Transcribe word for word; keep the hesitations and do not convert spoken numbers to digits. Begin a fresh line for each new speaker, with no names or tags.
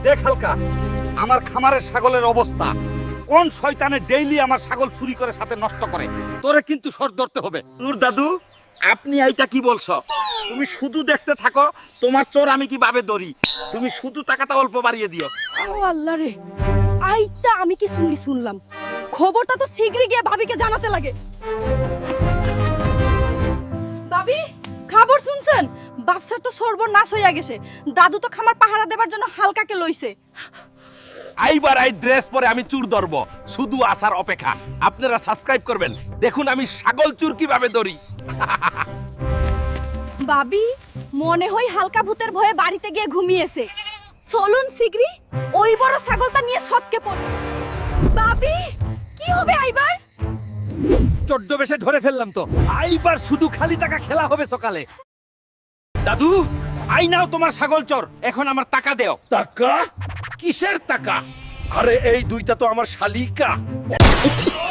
দেখ হালকা, আমার খামারের ছাগলের অবস্থা। কোন শয়তানে ডেইলি আমার ছাগল চুরি করে সাথে নষ্ট করে, তোরে কিন্তু সর ধরতে হবে।
নূর দাদু, আপনি এইটা কি বলছো? তুমি শুধু দেখতে থাকো, তোমার চোর আমি কিভাবে ধরি। তুমি শুধু টাকাটা অল্প বাড়িয়ে দিও।
ও আল্লাহ রে, আইতা আমি কি শুনলি শুনলাম, খবরটা তো শীঘ্রই গিয়ে ভাবিকে জানাতে লাগে। ভাবি, খবর শুনছেন? বাপসার তো সর্বনাশ হইয়া গেছে। দাদু তো খামার পাহারা দেবার জন্য হালকাকে লইছে।
আইবার আই ড্রেস পরে আমি চুর ধরবো, শুধু আসার অপেক্ষা। আপনারা সাবস্ক্রাইব করবেন, দেখুন আমি ছাগল চুর কিভাবে ধরি।
ভাবি, মনে হয় হালকা ভূতের ভয়ে বাড়িতে গিয়ে ঘুমিয়েছে। চলুন শীঘ্রই ওই বড় ছাগলটা নিয়ে সৎকে পড়। ভাবি, কি হবে আইবার?
চোদ্দ বেশে ধরে ফেললাম তো, আইবার শুধু খালি টাকা খেলা হবে সকালে। দাদু, আই নাও তোমার ছাগল চোর, এখন আমার টাকা দেও।
টাকা? কিসের টাকা? আরে এই দুইটা তো আমার শালিকা।